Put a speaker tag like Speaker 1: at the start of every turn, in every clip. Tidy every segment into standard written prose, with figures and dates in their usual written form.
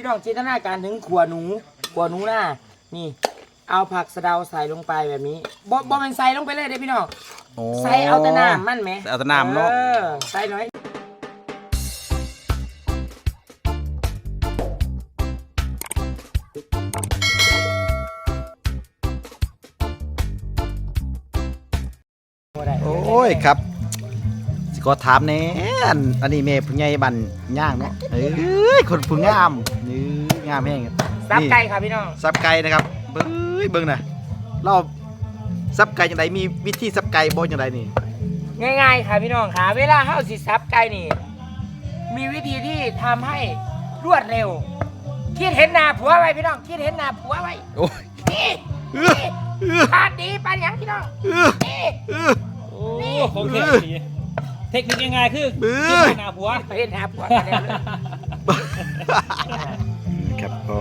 Speaker 1: น้องจินตนาการถึงขัวหนูหน้านี่เอาผักสะเดาใส่ลงไปแบบนี้บ่มันใส่ลงไปเลยเด้พี่น้องใส่เอาแต่น้ำมันไหม
Speaker 2: เอาแต่น้ำเนาะ
Speaker 1: ใส่หน่อย
Speaker 2: โอ้ยครับสิก็ถามแน่อันนี้แม่ผู้ใหญ่บันย่างเนาะเอ้ยคนผู้งามนี่งามแห้ง
Speaker 1: ซับไก่ค่ะพี่น้อง
Speaker 2: ซับไก่นะครับเบิ่งนะเราซับไก่จังไดมีวิธีซับไก่บ่จังไดนี่
Speaker 1: ง่ายๆค่ะพี่น้องค่ะเวลาเฮาสิซับไก่นี่มีวิธีที่ทำให้รวดเร็วคิดเห็นหน้าผัวไว้พี่น้องคิดเห็นหน้าผัวไว้
Speaker 2: โอ้ย
Speaker 1: นี่ปาดดีปาดหยังพี่น้องนี่
Speaker 3: โอ้ของเทคนิคง่ายๆคือคิดเห็นหน้าผัว
Speaker 1: เห็นหน้าผัว
Speaker 2: ครับก็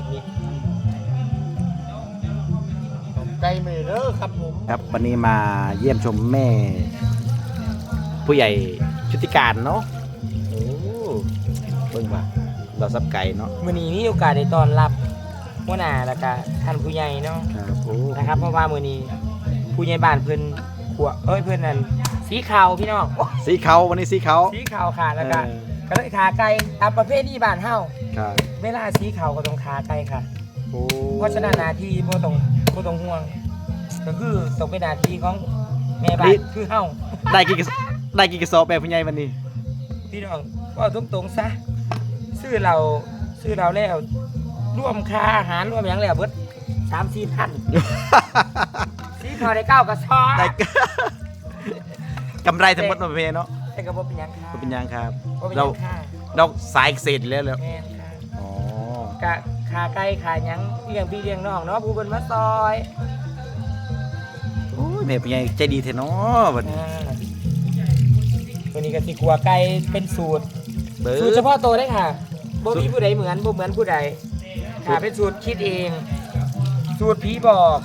Speaker 1: ไก่มือเด้อครับผม
Speaker 2: ครับวันนี้มาเยี่ยมชมแม่ผู้ใหญ่ชุติการเนาะโอ้เบิ่งว่าเราซับไก่เนาะ
Speaker 1: มื้อนี้มีโอกาสได้ต้อนรับหัวหน้าแล้วก็ท่านผู้ใหญ่เนาะ
Speaker 2: ครับโอ้
Speaker 1: นะครับเพราะว่ามื้อนี้ผู้ใหญ่บ้านเพิ่นขัวเพิ่นนั่นสีขาวพี่น้อง
Speaker 2: สีขาววันนี้สีขาว
Speaker 1: ค่ะแล้วก็เลยขาไก่ตามประเภทที่บ้านเฮา
Speaker 2: ครับ
Speaker 1: เวลาสีขาวก็ต้องขาไก่ค่ะเพราะฉะนั้นหน้าที่บ่ต้องห่วงก็คือต้องเป็นหน้าที่ของแม่บ้านคือเฮา
Speaker 2: ได้กี่กระสอบแบบผู้ใหญ่วันนี้
Speaker 1: พี่น้องก็ตรงๆซะซื้อเราแล้วรวมค่าอาหารรวมหยังแล้วเบิด 3-4 พันสีขาวได้9กระสอบได้
Speaker 2: กำไรทั้งหมดมาเพเนาะ
Speaker 1: แต่ก็บ่เป็นหยังค่ะ
Speaker 2: บ่เป็นหยังครับ
Speaker 1: เรา
Speaker 2: สายเกษตรแล้ว
Speaker 1: แม่นค่ะ
Speaker 2: อ๋อกะ
Speaker 1: ขาไก่ขาหยังเลี้ยงพี่เลี้ยงน้องเนาะผู้เพิ่นมาซอย
Speaker 2: โอ้ยแม่ผู้ใหญ่ใจดีแท้เนาะบัดนี้
Speaker 1: วันนี้ก็สิขัวไก่เป็นสูตรเฉพาะตัวได้ค่ะบ่มีผู้ใดเหมือนผู้ใดค่ะเป็นสูตรคิดเองสูตรผีบอก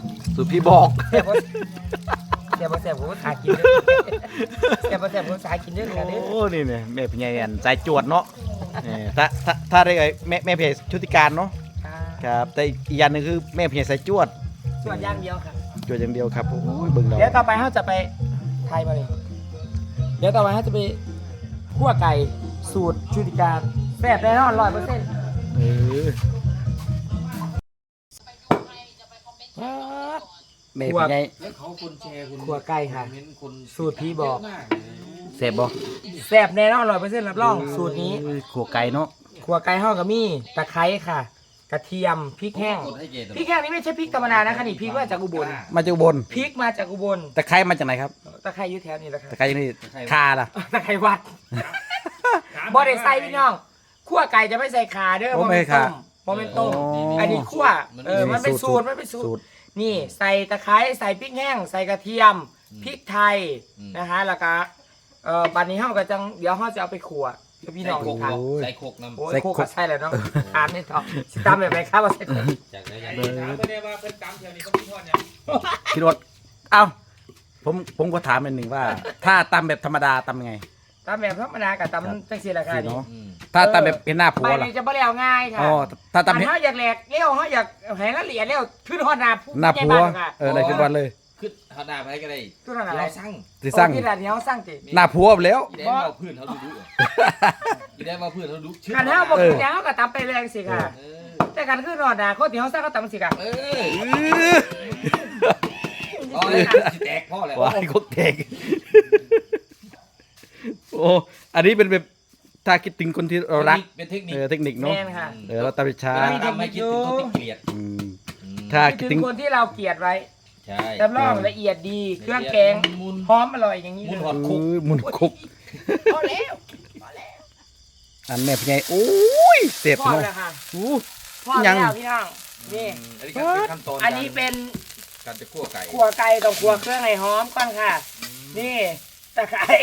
Speaker 1: แซ่บผมก็ขากินเด้อแซ่บผมสายกินเด้อค่ะเด้อ
Speaker 2: โอ้นี่เนี่ยแม่ผู้ใหญ่อันสายจวดเนาะถ้าได้แม่ผู้ใหญ่ชุติการเนาะครับแต่อีกอย่างนึงคือแม่ผู้ใหญ่สายจวด
Speaker 1: อย่างเดียวค่ะ
Speaker 2: จวดอย่างเดียวครับโอ้ยเบิ่งเรา
Speaker 1: เดี๋ยวต่อไปเฮาจะไปไทยมาเลยเดี๋ยวต่อไปเฮาจะไปคั่วไก่สูตรชุติการแซ่บแน่นอน 100%
Speaker 2: แม่ผู้ใหญ่
Speaker 1: คั่วไก่ค่ะสูตรพี่บอก
Speaker 2: แซ่บบ่
Speaker 1: แซ่บแน่นอน 100% รับรองสูตรนี้
Speaker 2: คั่วไก่เนาะ
Speaker 1: คั่วไก่เฮาก็มีตะไคร้ค่ะกระเทียมพริกแห้งนี่ไม่ใช่พริกธรรมดานะคะนี่พริกมาจากอุบลพริกมาจากอุบล
Speaker 2: ตะไคร้มาจากไหนครับ
Speaker 1: ตะไคร้อยู่แถวนี้แหละครับ
Speaker 2: ตะไคร้นี่คาล่ะ
Speaker 1: ตะไคร้วัดบ่ได้ใส่พี่น้องคั่วไก่จะไม่ใส่ขาเด้อบ่เป็นต้มอันนี้คั่วมันเป็นสูตรนี่ใส่ตะไคร้ใส่พริกแห้งใส่กระเทียมพริกไทยนะคะแล้วก็บัดนี้เฮาก็จังเดี๋ยวเฮาจะเอาไปคั่วพี่น้อง
Speaker 3: ใส่โคกน้ำ
Speaker 1: ใส่โคกใส่แล้วเนาะทานไม่ต่อสิตำแบบไหนครับว่าใส่โคก
Speaker 3: จากไหนไม่ได้ว่าเป็นตำแถวนี้เขาพี่ทอดเนี่ย
Speaker 2: พี่รถเอ้าผมก็ถามอันหนึ่งว่าถ้าตำแบบธรรมดาตำยังไง
Speaker 1: ตำแบบธรรมดากับตำจังซี่แหละค่ะนี่
Speaker 2: ถ้าตำแบบเป็นหน้าผัว
Speaker 1: ล่ะจะบ่แล้วง่ายค่ะ
Speaker 2: อ๋อถ้าตำ
Speaker 1: เฮาอยากแหลกเลี้ยวเฮาอยากให้ละเอียดแล้วขึ้นฮอดหน้าผั
Speaker 2: วได้ขึ้นวันเลย
Speaker 3: ขึ้นฮอดหน้าไปก็ได้
Speaker 1: เรา
Speaker 2: สั่ง
Speaker 1: ที่ร้านเฮาสั่งติ
Speaker 2: หน้าผัวแล้ว
Speaker 3: ได้มาพื้นเขาดูได้มาพื้นเขาดู
Speaker 1: คันเฮาบ่กินแล้วก็ตำไปแรงสิค่ะแต่กันขึ้นฮอดหน้าคนที่เฮาสั่งก็ตำสิค่ะ
Speaker 3: สิแตกพ่อแล้ว
Speaker 2: ว้ายกแตกโอ้อันนี้เป็นแบบถ้าคิดถึงคนที่เรารัก
Speaker 3: เป็นเทค
Speaker 2: นิคเนาะเราตำช้า
Speaker 3: ทำให้คิดถึงคนที่เกลียด
Speaker 2: ถ้าคิดถึง
Speaker 1: คนที่เราเกลียดไว้
Speaker 3: ใช่
Speaker 1: รับรองละเอียดดีเครื่องแกงหอมอร่อยอย่างนี้
Speaker 2: มุนคุก
Speaker 1: พอแล้ว
Speaker 2: อันแม่พี่ใหญ่โอ้ยเจ็บเนาะ
Speaker 1: พอแล้วพี่น้องนี่อันนี้เป็น
Speaker 3: การจะคั่วไก่
Speaker 1: ต้องคั่วเครื่องให้หอมก่อนค่ะนี่ตะไคร้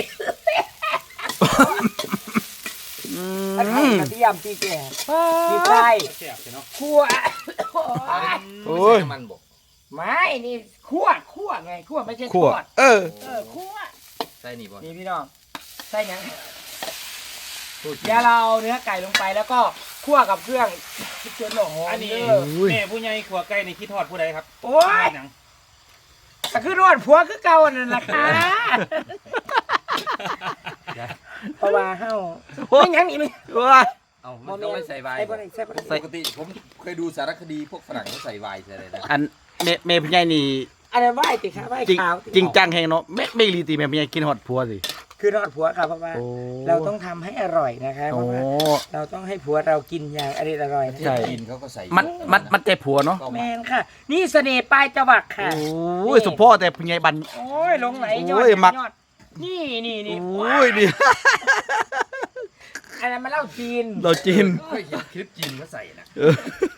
Speaker 1: กระเทียมพริกแกงพริกไทยคั่ว
Speaker 2: โอ้ย
Speaker 3: มันบอก
Speaker 1: ไม่นี่คั่วไงคั่วไม่ใช่ทอดคั่ว
Speaker 3: ใส่นี่บ่
Speaker 1: นี่พี่น้องใส่ยังเดี๋ยวเราเนื้อไก่ลงไปแล้วก็คั่วกับเครื่องจนหอม
Speaker 3: อันนี้
Speaker 1: เด้อ
Speaker 3: แม่ผู้ใหญ่ขัวไก่ในคิดทอดผู้ใดครับ
Speaker 1: โอ้ย
Speaker 3: หนัง
Speaker 1: ก็คือรอดผัวคือเก่านั่นแหละค่ะเพราะว่าเฮาไม่หยังนี่ไม่
Speaker 2: ว้า
Speaker 4: เอามันก็ไม่ใส่ไวน์
Speaker 1: ใส่บ่ได้ใส่บ่ได้
Speaker 4: ปกติผมเคยดูสารคดีพวกฝรั่งเขาใส่ไวน์ใส่อะไรนะ
Speaker 2: อันเมย์พี่ใหญ่นี่
Speaker 1: อันนั้นไหว้ติค่ะไหว้
Speaker 2: จริง
Speaker 1: ขาว
Speaker 2: จริงจังแฮงเนาะไม่รีตีเมย์พี่ใหญ่กินฮอดผัวสิ
Speaker 1: คือรอดผัวค่ะเพราะว่า
Speaker 2: โอ้
Speaker 1: เราต้องทำให้อร่อยนะคะเพ
Speaker 2: โอ้
Speaker 1: ราะว่าเราต้องให้ผัวเรากินอย่างอร่อยนะ
Speaker 2: ใช่
Speaker 4: จีนเขาก็ใส่
Speaker 2: มันใจผัวเนาะ
Speaker 4: ก็
Speaker 1: แม
Speaker 4: มาน
Speaker 1: ค่ะ นี่เสน่ห์ปลายจวักค่ะ
Speaker 2: โอ้ยสมพ่อแต่พี่ใหญ่บัน
Speaker 1: โอ้ยลงไหลยอ
Speaker 2: โอ้
Speaker 1: ด
Speaker 2: ยมัก
Speaker 1: ยอดนี่
Speaker 2: โอ้ยดิ
Speaker 1: อันนั้นมาเล่าจีน
Speaker 2: เราจีน
Speaker 4: เคยเห็นคลิปจีนเขาใส่นะ
Speaker 2: เออ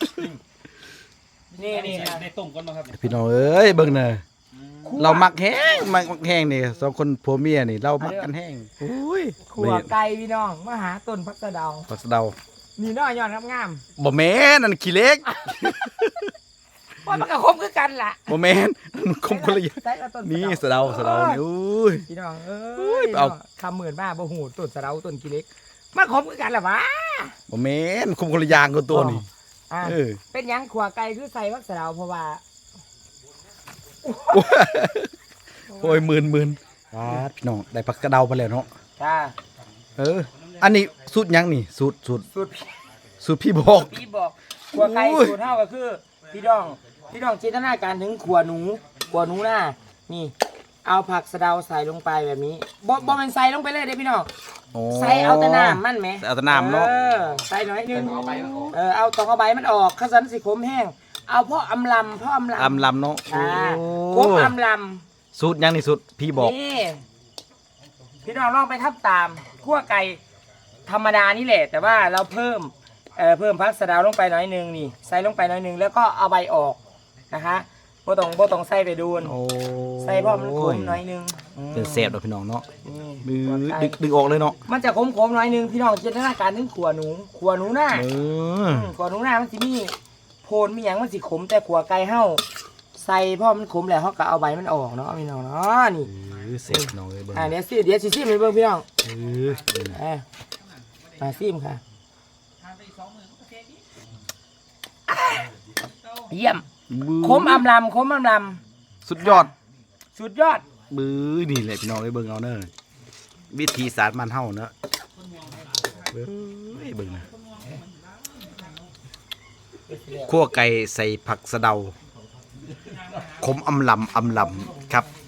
Speaker 1: นี่
Speaker 3: อันนี้
Speaker 1: ค่ะ
Speaker 3: ในต้มก่อนมาครับ
Speaker 2: พี่น้องเอ้ยเบิ่งเน่ะเรามักแห้งมักแห้งนี่สองคนผัวเมียนี่เรามักกันแห้งโอ้ย
Speaker 1: ขัวไก่พี่น้องมาหาต้นพักสะเดา
Speaker 2: ผักสะเดา
Speaker 1: นี่น้อยยอดงาม
Speaker 2: บ่แม่นนั่นขี้เล็ก
Speaker 1: ๆว่ามันก็คมคือกันล่ะ
Speaker 2: บ่แม่นมันคมคนละอย่าง
Speaker 1: ใส่เอาต้น
Speaker 2: นี่สะเดานี่โอ้ย
Speaker 1: พี่น้องเอ้
Speaker 2: โอ้
Speaker 1: ย
Speaker 2: ยเอา
Speaker 1: คำหมื่นบ้าบ่หูต้นสะเดาต้นกิเล็กมาคมคือกันล่ะวะ
Speaker 2: บ่แม่นคมคนละอย่างกับตัวนี่
Speaker 1: อ่ะ
Speaker 2: เออ
Speaker 1: เป็นหยังขัวไก่คือใส่พักสะเดาเพราะว่า
Speaker 2: โอ้ยหมื่นพี่น้องได้ผักกระเดาไปแล้วเนาะ
Speaker 1: ค่ะ
Speaker 2: เออ อันนี้สูตรหยังนี่สูตร
Speaker 1: สูตร
Speaker 2: พี่บอก
Speaker 1: พี่บอกขัวไก่
Speaker 2: โอ้ย
Speaker 1: สูตรเท่าก็คือพี่น้องจินตนาการถึงขัวหนูหน้านี่เอาผักสะเดาใส่ลงไปแบบนี้บ่เป็นใส่ลงไปเลยเด้พี่น้อง
Speaker 2: โอ้
Speaker 1: ใส่เอาแต่น้ำมันไหม
Speaker 2: ใส่เอาแต่น้ำเนาะ
Speaker 1: ใส่หน่อยนึงเอาตองเอาใบมันออกข้าวสันสิขมแห้งเอาพ่ออำลำ
Speaker 2: อำลำเนาะ
Speaker 1: อ่าข
Speaker 2: โอ้
Speaker 1: มอำล
Speaker 2: สูตรหยังนี่สูตรพี่บอก
Speaker 1: ำนี่พี่น้องลองไปทำตามคั่วไก่ธรรมดานี่แหละ แต่ว่าเราเพิ่มผักสะเดาลงไปหน่อยนึงนี่ใส่ลงไปหน่อยนึงแล้วก็เอาใบออกนะคะบ่ต้องใส่ไปดูน
Speaker 2: โอ้
Speaker 1: ใส่พ่อมันขมหน่อยนึง
Speaker 2: เป็นแสบเนาะพี่น้องเนาะ
Speaker 1: นี่
Speaker 2: มือดึงออกเลยเนาะ
Speaker 1: มันจะขมหน่อยนึงพี่น้องจินตนาการถึงขัวหนูหน้า
Speaker 2: เออ
Speaker 1: ขัวหนูหน้ามันสิมีโพนมีหยังมันสิขมแต่ขัวไก่เฮาใส่พ่อมันขมแล้วเฮาก็เอาใบมันออกเนาะพี่น้องเนาะนี่
Speaker 2: แสบพี่น้องเลยเบิ่ง
Speaker 1: เดี๋ยวสิให้เบิ่งพี่น้อง
Speaker 2: เออ
Speaker 1: มาซิมค่ะเยี่ยมขมอำลำ
Speaker 2: สุดยอด
Speaker 1: สุดยอด
Speaker 2: มือนี่แหละพี่น้องเอ้ยเบิ่งเอาเด้อวิธีสารมันเฮาเนาะเบิ่งนะคั่วไก่ใส่ผักสะเดาขมอำลำครับ